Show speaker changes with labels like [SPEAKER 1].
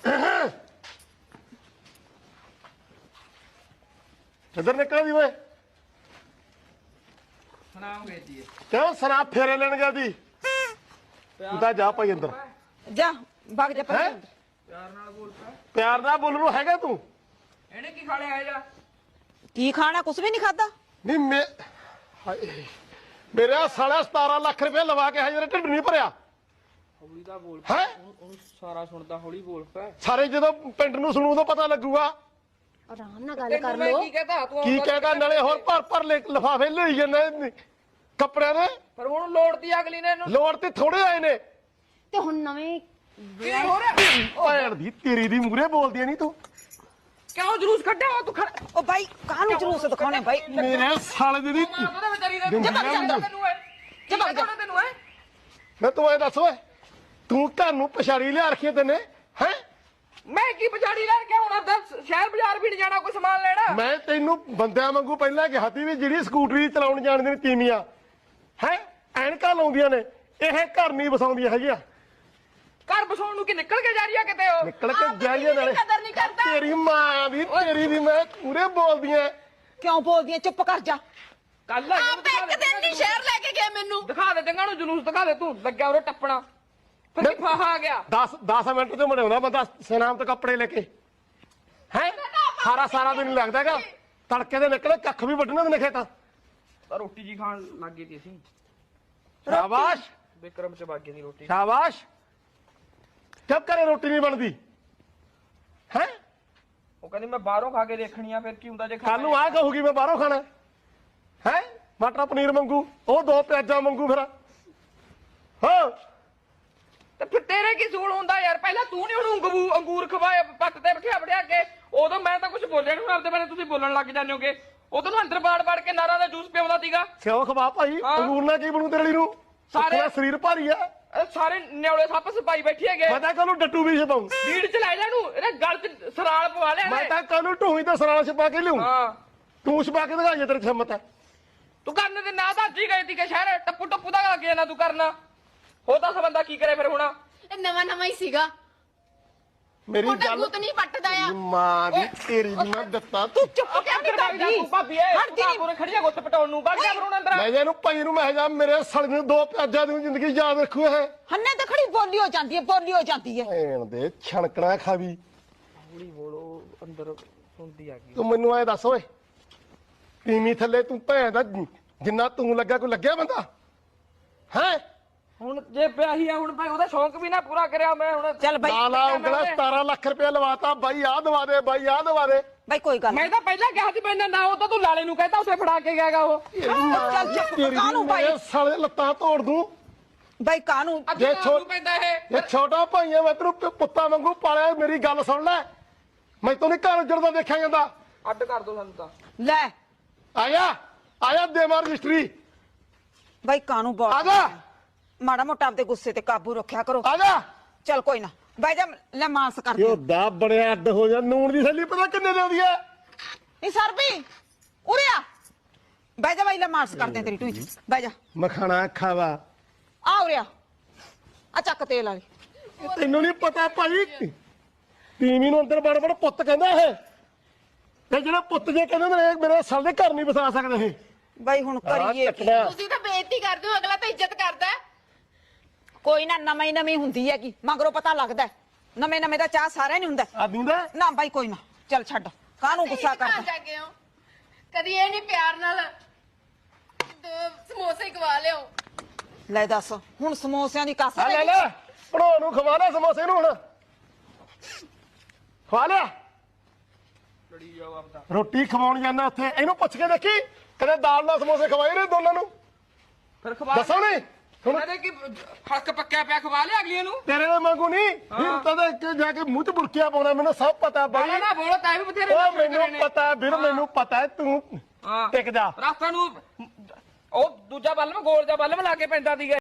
[SPEAKER 1] इधर निकल दी वे क्यों सना फेरे लेने गया दी तू जा भाई अंदर
[SPEAKER 2] जा भाग जा
[SPEAKER 1] हैं? प्यार ना बोल रू हैगा तू
[SPEAKER 3] ਇਹਨੇ ਕੀ ਖਾ ਲਿਆ ਜਾ
[SPEAKER 2] की खाना कुछ भी नहीं खाता
[SPEAKER 1] नहीं मैं हाय मेरे साला 17 लाख रुपए लवा के हजरे ढिड नहीं भरिया
[SPEAKER 3] ਹੌਲੀ ਦਾ ਬੋਲ
[SPEAKER 1] है
[SPEAKER 3] ਉਹਨੂੰ ਸਾਰਾ ਸੁਣਦਾ ਹੌਲੀ ਬੋਲ ਪੈ
[SPEAKER 1] सारे जो पिंड ਨੂੰ ਸੁਣੂ ਤਾਂ ਪਤਾ ਲੱਗੂਗਾ
[SPEAKER 4] ਆਰਾਮ ਨਾਲ ਗੱਲ ਕਰ ਲੋ
[SPEAKER 3] ਕੀ ਕਹਤਾ ਤੂੰ
[SPEAKER 1] ਕੀ ਕਹੇਗਾ ਨਾਲੇ ਹੋਰ ਭਰ ਲਿਫਾਫੇ ਲਈ ਜਾਂਦੇ ਕੱਪੜਿਆਂ ਦੇ
[SPEAKER 3] ਪਰ ਹੁਣ ਲੋੜਦੀ ਅਗਲੀ ਨੇ ਇਹਨੂੰ
[SPEAKER 1] ਲੋੜ ਤੇ ਥੋੜੇ ਆਏ ਨੇ
[SPEAKER 4] ਤੇ ਹੁਣ ਨਵੇਂ
[SPEAKER 3] ਕੀ ਹੋ ਰਿਹਾ
[SPEAKER 1] ਭੈਣ ਦੀ ਤੇਰੀ ਦੀ ਮੂਰੇ ਬੋਲਦੀ ਨਹੀਂ ਤੂੰ
[SPEAKER 3] ਕਿਉਂ ਜਲੂਸ ਕੱਢਿਆ ਵਾ ਤੂੰ
[SPEAKER 2] ओ भाई कानू जुलूस दिखाने भाई
[SPEAKER 1] ਮੇਰੇ ਸਾਲੇ ਦੀ
[SPEAKER 3] ਉਹਦੇ ਵਿਚਾਰੀ ਦਾ
[SPEAKER 1] ਜਬ
[SPEAKER 3] ਤੈਨੂੰ ਹੈ ਤੈਨੂੰ ਹੈ
[SPEAKER 1] ਮੈਂ ਤੂੰ ਐ ਦੱਸ ਓਏ ਤੂੰ ਘਰ ਨੂੰ ਪਛਾੜੀ ਲਿਆ ਰੱਖੀ ਤੈਨੇ ਹੈ
[SPEAKER 3] ਮੈਂ ਕੀ ਪਛਾੜੀ ਲੈਣ ਕੇ ਹੁਣ ਅੱਧਾ ਸ਼ਹਿਰ ਬਾਜ਼ਾਰ ਵੀ ਨਹੀਂ ਜਾਣਾ ਕੋਈ ਸਮਾਨ ਲੈਣਾ
[SPEAKER 1] ਮੈਂ ਤੈਨੂੰ ਬੰਦਿਆਂ ਵਾਂਗੂ ਪਹਿਲਾਂ ਕਿਹਾ ਸੀ ਵੀ ਜਿਹੜੀ ਸਕੂਟਰੀ ਚਲਾਉਣ ਜਾਣਦੇ ਨੇ ਤੀਵੀਆਂ ਹੈ ਐਨਕਾਂ ਲਾਉਂਦੀਆਂ ਨੇ ਇਹ ਘਰ ਨਹੀਂ ਵਸਾਉਂਦੀਆਂ ਹੈਗੀਆਂ
[SPEAKER 3] ਘਰ ਬਸਾਉਣ ਨੂੰ ਕੀ ਨਿਕਲ ਕੇ ਜਾ ਰਹੀ ਆ ਕਿਤੇ ਉਹ
[SPEAKER 1] ਨਿਕਲ ਕੇ ਜਾਈਏ ਨਾਲੇ
[SPEAKER 3] ਕਦਰ ਨਹੀਂ ਕਰਦਾ
[SPEAKER 1] ਤੇਰੀ ਮਾਂ ਦੀ ਤੇਰੀ ਦੀ ਮੈਂ ਪੂਰੇ ਬੋਲਦੀਆਂ
[SPEAKER 2] क्यों बोल दिए चुप कर जा
[SPEAKER 3] ਕੱਲ
[SPEAKER 4] ਆਪ ਇੱਕ ਦਿਨ ਨਹੀਂ ਸ਼ਹਿਰ ਲੈ ਕੇ ਗਏ ਮੈਨੂੰ
[SPEAKER 3] ਦਿਖਾ ਦੇ ਚੰਗਾ ਨੂੰ ਜਲੂਸ ਦਿਖਾ ਦੇ ਤੂੰ ਲੱਗਿਆ ਉਰੇ ਟੱਪਣਾ ਫਿਰ ਕੀ ਫਾਹਾ ਆ ਗਿਆ
[SPEAKER 1] 10 ਮਿੰਟ ਤੇ ਮੜਾਉਂਦਾ ਬੰਦਾ ਸਨਾਮ ਤੇ ਕੱਪੜੇ ਲੈ ਕੇ ਹੈ ਸਾਰਾ ਦਿਨ ਲੱਗਦਾ ਹੈਗਾ ਤੜਕੇ ਦੇ ਨਿਕਲੇ ਕੱਖ ਵੀ ਵੱਢਣੇ ਨੇ ਖੇਤਾਂ
[SPEAKER 3] ਤਾਂ ਰੋਟੀ ਜੀ ਖਾਣ ਲੱਗ ਗਈ ਸੀ ਅਸੀਂ
[SPEAKER 1] ਸ਼ਾਬਾਸ਼
[SPEAKER 3] ਵਿਕਰਮ ਚ ਬਾਗੇ ਦੀ ਰੋਟੀ
[SPEAKER 1] ਸ਼ਾਬਾਸ਼ ਕਬ ਕਰੇ ਰੋਟੀ ਨਹੀਂ ਬਣਦੀ ਹੈ
[SPEAKER 3] ਉਹ ਕਹਿੰਦੀ ਮੈਂ ਬਾਹਰੋਂ ਖਾ ਕੇ ਦੇਖਣੀ ਆ ਫਿਰ ਕੀ ਹੁੰਦਾ ਜੇ
[SPEAKER 1] ਕੱਲ ਨੂੰ ਆ ਕਹੂਗੀ ਮੈਂ ਬਾਹਰੋਂ ਖਾਣਾ ਹੈ ਮਟਰ ਪਨੀਰ ਮੰਗੂ ਉਹ 2 ਪਿਆਜ਼ਾਂ ਮੰਗੂ ਫਿਰ ਹਾਂ
[SPEAKER 3] ਤੇ ਫਿਰ ਤੇਰੇ ਕੀ ਸੂਲ ਹੁੰਦਾ ਯਾਰ ਪਹਿਲਾਂ ਤੂੰ ਨਹੀਂ ਉਹਨੂੰ ਅੰਗੂਰ ਖਵਾਏ ਪੱਟ ਤੇ ਬਿਠਾ ਬੜਿਆ ਕੇ ਉਦੋਂ ਮੈਂ ਤਾਂ ਕੁਝ ਬੋਲਿਆ ਨਹੀਂ ਆਪਦੇ ਬਾਰੇ ਤੁਸੀਂ ਬੋਲਣ ਲੱਗ ਜਾਂਦੇ ਹੋਗੇ ਉਦੋਂ ਨੂੰ ਅੰਦਰ ਬਾੜ ਕੇ ਨਾਰਾਂ ਦਾ ਜੂਸ ਪਿਆਉਂਦਾ ਸੀਗਾ
[SPEAKER 1] ਸਿਓ ਖਵਾ ਭਾਈ
[SPEAKER 3] ਹਾਂ।
[SPEAKER 1] ਅੰਗੂਰ ਨਾਲ ਕੀ ਬਣੂ ਤੇਰੇ ਲਈ ਨੂੰ
[SPEAKER 3] ਸਾਰੇ-
[SPEAKER 1] ਸਾਰੇ ਸਰੀਰ ਭਾਰੀ ਆ
[SPEAKER 3] ਇਹ ਸਾਰੇ ਨਿਉਲੇ ਸੱਪ ਸਪਾਈ ਬੈਠੀ ਹੈਗੇ
[SPEAKER 1] ਮੈਂ ਤਾਂ ਕੱਲ ਨੂੰ ਡੱਟੂ ਵੀ ਛਪਾਉਂ
[SPEAKER 3] ਭੀੜ ਚ ਲੈ ਜਾ ਨੂੰ ਇਹਦੇ ਗਲ ਚ ਸਰਾਲ ਪਵਾ ਲਿਆ
[SPEAKER 1] ਮੈਂ
[SPEAKER 3] ਇਹਨੇ।
[SPEAKER 1] ਤਾਂ ਕੱਲ ਨੂੰ ਢੂਹੀ ਤੇ ਸਰਾਲ ਛਪਾ ਕੇ ਲਿਆਉਂ
[SPEAKER 3] ਹਾਂ
[SPEAKER 1] ਤੂੰ ਛਪਾ ਕੇ ਦਿਖਾਈਏ ਤੇਰੀ ਹਿੰਮਤ ਹੈ
[SPEAKER 3] ਤੂੰ ਕਰਨ ਦੇ ਨਾ ਤਾਂ ਅੱਜ ਹੀ ਗਈ ਤੀ ਕਿ ਸ਼ਹਿਰ ਟੱਪੂ ਦਾ ਲੱਗ ਜਾਣਾ ਤੂੰ ਕਰਨਾ ਹੋ ਤਾਂ ਬੰਦਾ ਕੀ ਕਰੇ ਫਿਰ ਹੁਣ
[SPEAKER 4] ਇਹ ਨਵਾਂ ਨਵਾਂ ਹੀ ਸੀਗਾ
[SPEAKER 1] ਮੇਰੀ
[SPEAKER 4] ਕੋਟਾ
[SPEAKER 1] ਗੱਲ
[SPEAKER 4] ਗੁੱਤ ਨਹੀਂ ਪੱਟਦਾ ਆ
[SPEAKER 1] ਮਾਂ ਦੀ ਤੇਰੀ ਦੀ ਮੈਂ ਦਿੱਤਾ ਤੂੰ
[SPEAKER 2] चुप क्या नहीं करती
[SPEAKER 3] ਤੂੰ ਭਾਬੀ ਐ
[SPEAKER 2] ਹਟ ਜੀ।
[SPEAKER 3] ਪੂਰੇ ਖੜੀਆ ਗੁੱਤ ਪਟਾਉਣ ਨੂੰ ਵਗ ਜਾ ਫਿਰ ਹੁਣ ਅੰਦਰ
[SPEAKER 1] ਮੈਂ ਜੇ ਇਹਨੂੰ ਭਾਈ ਨੂੰ ਮੈਂ ਜਾ ਮੇਰੇ ਸੜ ਨੂੰ 2 ਪਿਆਜ਼ਾਂ ਦੀ ਜ਼ਿੰਦਗੀ ਯਾਦ ਰੱਖੂ ਇਹ
[SPEAKER 2] हन्ने तो खड़ी बोली हो जाती है
[SPEAKER 1] ਭੈਣ ਦੇ ਛਣਕਣਾ ਖਾਵੀ
[SPEAKER 3] ਹੌਲੀ ਬੋਲੋ ਅੰਦਰ ਸੁਣਦੀ ਆ ਗਈ
[SPEAKER 1] ਤੂੰ ਮੈਨੂੰ ਐ ਦੱਸ ਓਏ ਤੀਵੀਂ ਥੱਲੇ ਤੂੰ ਭੈਣ ਦਾ ਜਿੰਨਾ ਤੂੰ ਲੱਗਾ ਕੋਈ ਲੱਗਿਆ ਬੰਦਾ ਹੈ
[SPEAKER 3] ਹੁਣ ਜੇ ਪਿਆਹੀ ਆ ਹੁਣ ਭਾਈ ਉਹਦਾ ਸ਼ੌਂਕ ਵੀ ਨਾ ਪੂਰਾ ਕਰਿਆ ਮੈਂ ਹੁਣ
[SPEAKER 2] चल भाई
[SPEAKER 1] ਲਾਲਾ ਉਂਗਲਾ 17 ਲੱਖ ਰੁਪਏ ਲਵਾਤਾ ਬਾਈ ਆਹ ਦਵਾ ਦੇ ਬਾਈ ਆਹ ਦਵਾ ਦੇ
[SPEAKER 2] भाई कोई गल
[SPEAKER 3] ਮੈਂ ਤਾਂ ਪਹਿਲਾਂ ਕਿਹਾ ਸੀ ਮੈਂ ਨਾ ਉਹ ਤਾਂ ਤੂੰ ਲਾਲੇ ਨੂੰ ਕਹਿੰਦਾ ਉਸੇ ਫੜਾ ਕੇ ਗਿਆਗਾ ਉਹ
[SPEAKER 2] चल चुप
[SPEAKER 1] ਤੇਰੀ
[SPEAKER 2] कानू भाई
[SPEAKER 1] ਮੇਰੇ ਸਾਲੇ ਲੱਤਾਂ ਤੋੜ ਦੂੰ
[SPEAKER 2] भाई कानू
[SPEAKER 3] ਅੱਗੇ
[SPEAKER 1] ਜੇ
[SPEAKER 3] ਨੂੰ ਪੈਂਦਾ ਇਹ
[SPEAKER 1] ਇਹ ਛੋਟਾ ਭਾਈ ਆ ਮੈਂ ਤੈਨੂੰ ਪੁੱਤਾਂ ਵਾਂਗੂ ਪਾਲਿਆ ਮੇਰੀ ਗੱਲ ਸੁਣ ਲੈ ਮੈਂ ਤੈਨੂੰ ਘਰ ਉੱਜੜਦਾ ਦੇਖਿਆ ਜਾਂਦਾ
[SPEAKER 3] ਅੱਡ ਕਰ ਦੋ ਸਾਨੂੰ ਤਾਂ
[SPEAKER 2] ले
[SPEAKER 1] ਆਇਆ ਦੇਵਾਂ ਰਜਿਸਟਰੀ
[SPEAKER 2] भाई कानू
[SPEAKER 1] ਆ
[SPEAKER 2] बहुत
[SPEAKER 1] ਜਾ
[SPEAKER 2] माड़ा मोटा आपदे गुस्से ते काबू रखा करो
[SPEAKER 1] ਆ ਜਾ
[SPEAKER 2] चल कोई ना भाई जा ले मांस कर दे
[SPEAKER 1] ਯੋ ਦਾ ਬੜਿਆ ਅੱਡ ਹੋ ਜਾ ਨੂਣ ਦੀ ਥੈਲੀ ਪਤਾ ਕਿੰਨੇ ਦੇ ਆਉਂਦੀ ਹੈ
[SPEAKER 2] नहीं सर भी उरे आ भाई जा भाई ले मांस कर दे तेरी टूई भाई जा
[SPEAKER 1] ਮਖਾਣਾ ਖਾਵਾ
[SPEAKER 2] आ उरे आ चक तेल वाली
[SPEAKER 1] ਤੈਨੂੰ ਨਹੀਂ ਪਤਾ ਭਾਈ ਤੀਵੀਂ ਨੂੰ ਅੰਦਰ ਬੜ ਬੜ ਪੁੱਤ ਕਹਿੰਦਾ ਇਹ ਤੇ ਜਿਹੜਾ ਪੁੱਤ ਜੇ ਕਹਿੰਦੇ ਨੇ ਮੇਰੇ ਸਾਲ ਦੇ ਘਰ ਨਹੀਂ ਵਸਾ ਸਕਦੇ ਇਹ
[SPEAKER 2] भाई हुन करिए की?
[SPEAKER 4] ਤੁਸੀਂ ਤਾਂ ਬੇਇੱਜ਼ਤੀ ਕਰਦੇ ਹੋ ਅਗਲਾ ਤਾਂ ਇੱਜ਼ਤ ਕਰਦਾ ਹੈ
[SPEAKER 2] कोई ना नवी हुंदी है की मगरों पता लगदा है नवे दा चाह सारे नहीं हुंदा
[SPEAKER 1] ਆ ਦਿੰਦਾ
[SPEAKER 2] ना भाई कोई ना चल छੱਡ कानू गुस्सा
[SPEAKER 4] ਕਹਾਂ
[SPEAKER 2] करदा
[SPEAKER 4] ਜਾ ਕੇ ਹੋ ਕਦੀ ਇਹ ਨਹੀਂ ਪਿਆਰ ਨਾਲ ਸਮੋਸੇ ਖਵਾ ਲਿਓ
[SPEAKER 2] ले दस हुन समोसियां दी कस
[SPEAKER 1] ਆ ਲੈ ਲੈ ਭਣੋ ਨੂੰ ਖਵਾ ਲੈ ਸਮੋਸੇ ਨੂੰ ਹੁਣ ਖਵਾ ਲਿਆ
[SPEAKER 3] ਲੜੀ ਜਾਓ ਆਪਦਾ
[SPEAKER 1] ਰੋਟੀ ਖਵਾਉਣ ਜਾਂਦਾ ਉੱਥੇ ਇਹਨੂੰ ਪੁੱਛ ਕੇ ਦੇਖੀ ਕਦੇ ਦਾਲ ਨਾਲ ਸਮੋਸੇ ਖਵਾਏ ਨੇ ਦੋਨਾਂ ਨੂੰ
[SPEAKER 3] ਫਿਰ ਖਵਾ
[SPEAKER 1] ਦੱਸੋ ਨੀ ਹੁਣ
[SPEAKER 3] ਕਹਿੰਦੇ ਕਿ ਹੱਕ ਪੱਕਿਆ ਪਿਆ ਖਵਾ ਲਿਆ ਅਗਲੀ ਨੂੰ
[SPEAKER 1] ਤੇਰੇ ਨਾਲ ਮੰਗੂ ਨਹੀਂ ਫਿਰ ਤਾਂ ਇੱਕ ਜਾ ਕੇ ਮੂੰਹ ਚ ਬੁਰਕੀਆਂ ਪਾਉਣਾ ਮੈਨੂੰ ਸਭ ਪਤਾ ਬਾਈ
[SPEAKER 3] ਬਾਲਾ ਨਾ ਬੋਲੋ ਤਾਂ ਵੀ ਬਥੇਰੇ
[SPEAKER 1] ਉਹ ਮੈਨੂੰ ਪਤਾ ਵੀਰ ਮੈਨੂੰ ਪਤਾ ਹੈ ਤੂੰ
[SPEAKER 3] ਹਾਂ
[SPEAKER 1] ਟਿਕ ਜਾ
[SPEAKER 3] ਰਾਤਾਂ ਨੂੰ ਉਹ ਦੂਜਾ ਬੱਲਮ ਗੋਲ ਜਿਹਾ ਬੱਲਮ ਲਾ ਕੇ ਪੈਂਦਾ ਸੀਗਾ